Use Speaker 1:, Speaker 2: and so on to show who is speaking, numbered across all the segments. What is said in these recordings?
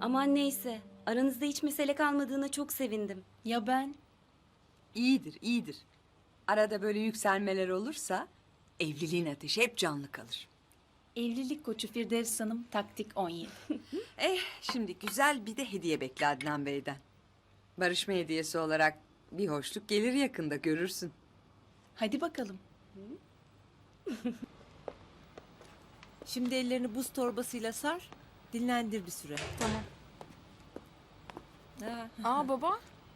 Speaker 1: Aman neyse. Aranızda hiç mesele kalmadığına çok sevindim.
Speaker 2: Ya ben?
Speaker 3: İyidir, iyidir. Arada böyle yükselmeler olursa evliliğin ateşi hep canlı kalır.
Speaker 2: Evlilik koçu Firdevs Hanım taktik 17.
Speaker 3: Şimdi güzel bir de hediye bekle Adnan Bey'den. Barışma hediyesi olarak bir hoşluk gelir yakında görürsün.
Speaker 2: Hadi bakalım.
Speaker 4: Şimdi ellerini buz torbasıyla sar, dinlendir bir süre.
Speaker 5: Tamam.
Speaker 4: Ha.
Speaker 5: Aa baba.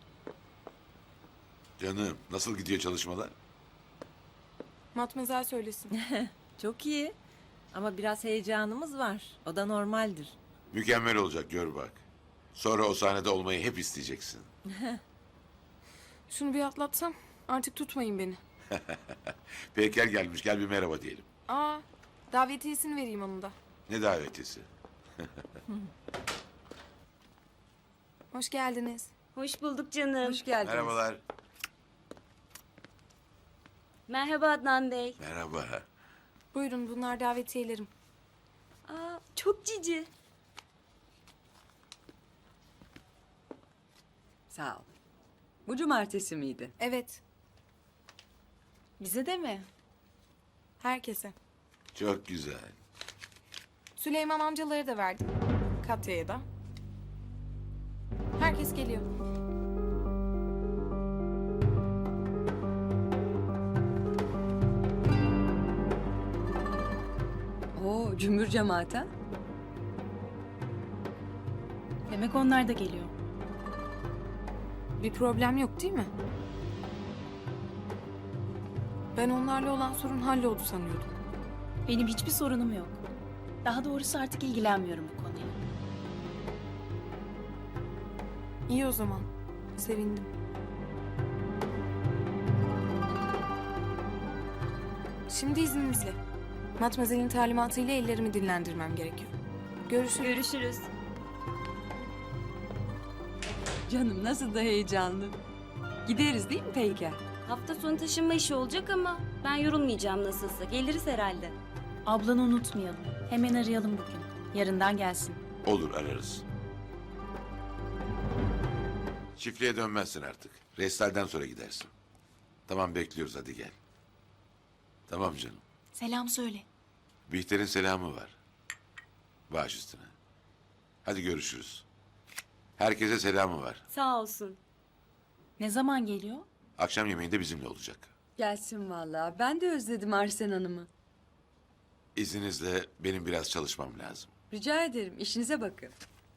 Speaker 6: Canım nasıl gidiyor çalışmalar?
Speaker 5: Matmazel söylesin.
Speaker 4: Çok iyi. Ama biraz heyecanımız var. O da normaldir.
Speaker 6: Mükemmel olacak gör bak. Sonra o sahnede olmayı hep isteyeceksin.
Speaker 5: Şunu bir atlatsam artık tutmayın beni.
Speaker 6: Peyker gelmiş gel bir merhaba diyelim.
Speaker 5: Aa davetiyesini vereyim onun da.
Speaker 6: Ne davetiyesi?
Speaker 5: Hoş geldiniz.
Speaker 1: Hoş bulduk canım.
Speaker 3: Hoş geldiniz.
Speaker 6: Merhabalar.
Speaker 1: Merhaba Adnan Bey.
Speaker 6: Merhaba.
Speaker 5: Buyurun bunlar davetiyelerim.
Speaker 1: Aa, çok cici.
Speaker 3: Sağ ol. Bu cumartesi miydi?
Speaker 5: Evet
Speaker 2: Bize de mi?
Speaker 5: herkese.
Speaker 6: Çok güzel.
Speaker 5: Süleyman amcaları da verdim. Katya'ya da. Herkes geliyor.
Speaker 3: Oo, cümbür cemaat ha?
Speaker 2: Demek onlar da geliyor.
Speaker 5: Bir problem yok değil mi? Ben onlarla olan sorun halloldu sanıyordum.
Speaker 2: Benim hiçbir sorunum yok. Daha doğrusu artık ilgilenmiyorum bu konuya.
Speaker 5: İyi o zaman. Sevindim. Şimdi izninizle. Matmazel'in talimatıyla ellerimi dinlendirmem gerekiyor. Görüşürüz.
Speaker 1: Görüşürüz.
Speaker 3: Canım nasıl da heyecanlı. Gideriz değil mi Peyker?
Speaker 1: Hafta sonu taşınma işi olacak ama ben yorulmayacağım nasılsa. Geliriz herhalde.
Speaker 2: Ablanı unutmayalım. Hemen arayalım bugün. Yarından gelsin.
Speaker 6: Olur ararız. Çiftliğe dönmezsin artık. Restalden sonra gidersin. Tamam bekliyoruz hadi gel. Tamam canım.
Speaker 2: Selam söyle.
Speaker 6: Bihter'in selamı var. Baş üstüne. Hadi görüşürüz. Herkese selamı var.
Speaker 1: Sağ olsun.
Speaker 2: Ne zaman geliyor?
Speaker 6: Akşam yemeğinde bizimle olacak.
Speaker 3: Gelsin vallahi. Ben de özledim Arsen Hanım'ı.
Speaker 6: İzninizle benim biraz çalışmam lazım.
Speaker 3: Rica ederim. İşinize bakın.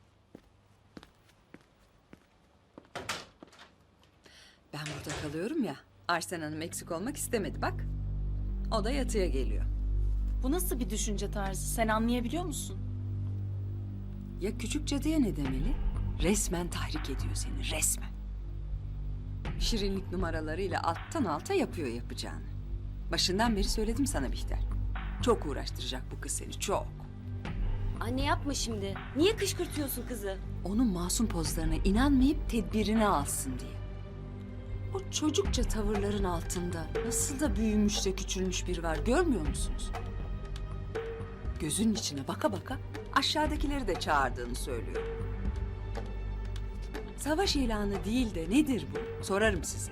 Speaker 3: Ben burada kalıyorum ya. Arsen Hanım eksik olmak istemedi bak. O da yatıya geliyor.
Speaker 2: Bu nasıl bir düşünce tarzı? Sen anlayabiliyor musun?
Speaker 3: Ya küçük cadıya ne demeli? Resmen tahrik ediyor seni, resmen. Şirinlik numaralarıyla alttan alta yapıyor yapacağını. Başından beri söyledim sana Bihter. Çok uğraştıracak bu kız seni, çok.
Speaker 1: Anne yapma şimdi. Niye kışkırtıyorsun kızı?
Speaker 3: Onun masum pozlarına inanmayıp tedbirini alsın diye. O çocukça tavırların altında nasıl da büyümüş de küçülmüş biri var görmüyor musunuz? Gözünün içine baka baka aşağıdakileri de çağırdığını söylüyor. Savaş ilanı değil de nedir bu? Sorarım size.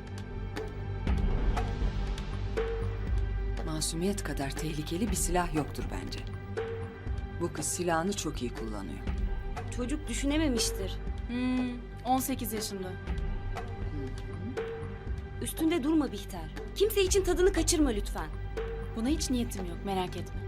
Speaker 3: Masumiyet kadar tehlikeli bir silah yoktur bence. Bu kız silahını çok iyi kullanıyor.
Speaker 1: Çocuk düşünememiştir.
Speaker 2: 18 yaşında.
Speaker 1: Üstünde durma Bihter. Kimse için tadını kaçırma lütfen.
Speaker 2: Buna hiç niyetim yok, merak etme.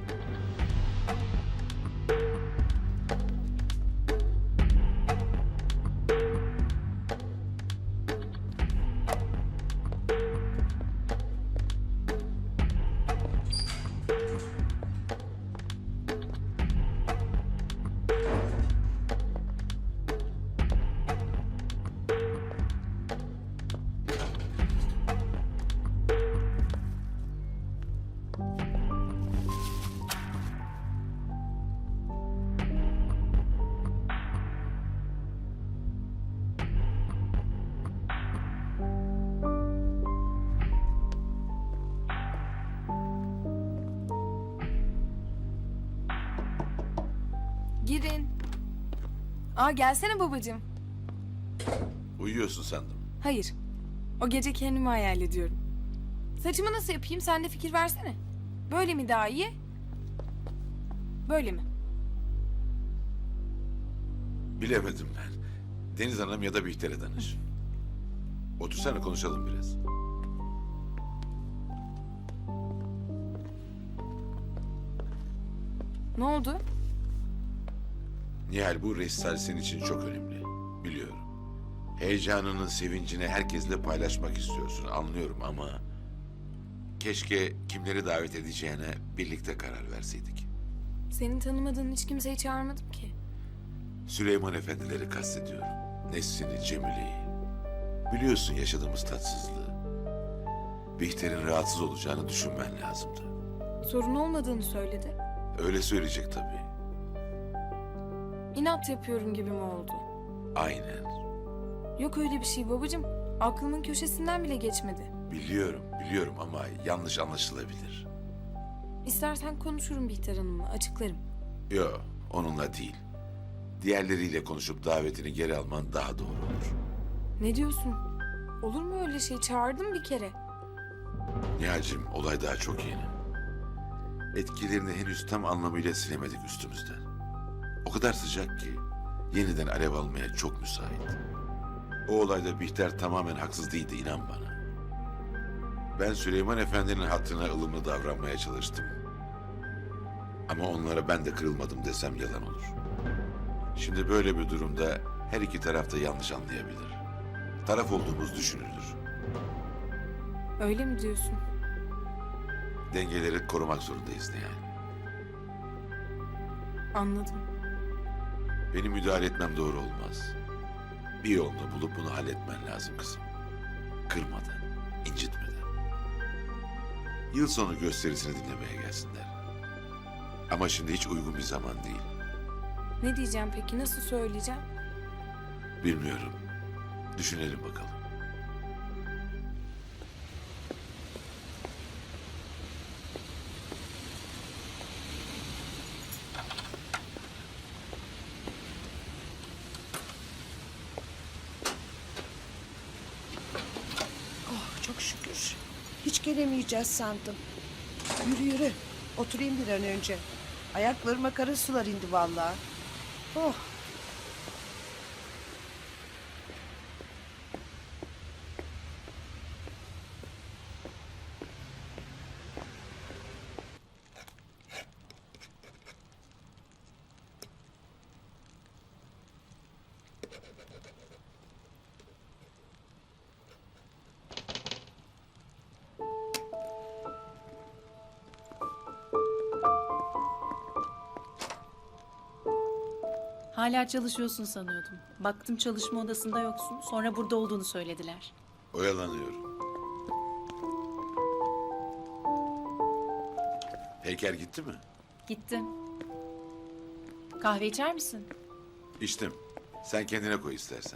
Speaker 5: Aa gelsene babacığım.
Speaker 6: Uyuyorsun sandım.
Speaker 5: Hayır. O gece kendimi hayal ediyorum. Saçımı nasıl yapayım sen de fikir versene. Böyle mi daha iyi? Böyle mi?
Speaker 6: Bilemedim ben. Deniz Hanım ya da Bihter'e danış. Otursana konuşalım biraz.
Speaker 5: Ne oldu?
Speaker 6: Nihal, bu resital senin için çok önemli. Biliyorum. Heyecanının sevincini herkesle paylaşmak istiyorsun. Anlıyorum ama... Keşke kimleri davet edeceğine birlikte karar verseydik.
Speaker 5: Senin tanımadığın hiç kimseyi çağırmadım ki.
Speaker 6: Süleyman Efendileri kastediyorum. Nesrin'i, Cemile'yi. Biliyorsun yaşadığımız tatsızlığı. Bihter'in rahatsız olacağını düşünmen lazımdı.
Speaker 5: Sorun olmadığını söyledi.
Speaker 6: Öyle söyleyecek tabii.
Speaker 5: İnat yapıyorum gibi mi oldu?
Speaker 6: Aynen.
Speaker 5: Yok öyle bir şey babacığım. Aklımın köşesinden bile geçmedi.
Speaker 6: Biliyorum ama yanlış anlaşılabilir.
Speaker 5: İstersen konuşurum Bihter Hanım'la, açıklarım.
Speaker 6: Yo, onunla değil. Diğerleriyle konuşup davetini geri alman daha doğru olur.
Speaker 5: Ne diyorsun? Olur mu öyle şey? Çağırdım bir kere.
Speaker 6: Nihal'cim, olay daha çok yeni. Etkilerini henüz tam anlamıyla silemedik üstümüzden. O kadar sıcak ki yeniden alev almaya çok müsait. O olayda Bihter tamamen haksız değildi, inan bana. Ben Süleyman Efendi'nin hatırına ılımlı davranmaya çalıştım. Ama onlara ben de kırılmadım desem yalan olur. Şimdi böyle bir durumda her iki taraf da yanlış anlayabilir. Taraf olduğumuz düşünülür.
Speaker 5: Öyle mi diyorsun?
Speaker 6: Dengeleri korumak zorundayız Nihal.
Speaker 5: Anladım.
Speaker 6: Benim müdahale etmem doğru olmaz. Bir yolunu bulup bunu halletmen lazım kızım. Kırmadan, incitmeden. Yıl sonu gösterisini dinlemeye gelsinler. Ama şimdi hiç uygun bir zaman değil.
Speaker 5: Ne diyeceğim peki? Nasıl söyleyeceğim?
Speaker 6: Bilmiyorum. Düşünelim bakalım.
Speaker 7: Oh, çok şükür. Hiç gelemeyeceğiz sandım. Yürü yürü. Oturayım bir an önce. Ayaklarıma kara sular indi vallahi. Oh.
Speaker 2: Hala çalışıyorsun sanıyordum. Baktım çalışma odasında yoksun. Sonra burada olduğunu söylediler.
Speaker 6: Oyalanıyorum. Heykel gitti mi?
Speaker 2: Gitti. Kahve içer misin?
Speaker 6: İçtim. Sen kendine koy istersen.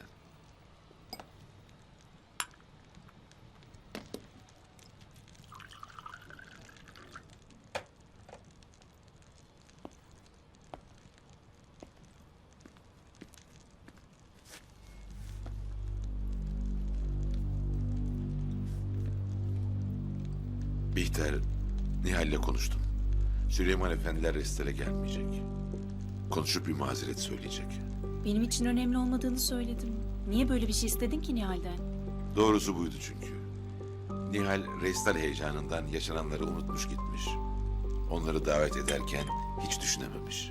Speaker 6: Bihter, Nihal'le konuştum. Süleyman Efendiler restore gelmeyecek. Konuşup bir mazeret söyleyecek.
Speaker 2: Benim için önemli olmadığını söyledim. Niye böyle bir şey istedin ki Nihal'den?
Speaker 6: Doğrusu buydu çünkü. Nihal restal heyecanından yaşananları unutmuş gitmiş. Onları davet ederken hiç düşünememiş.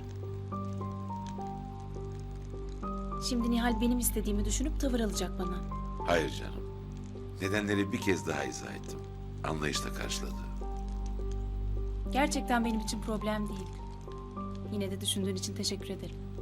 Speaker 2: Şimdi Nihal benim istediğimi düşünüp tavır alacak bana.
Speaker 6: Hayır canım. Nedenleri bir kez daha izah ettim. Anlayışla karşıladı.
Speaker 2: Gerçekten benim için problem değil. Yine de düşündüğün için teşekkür ederim.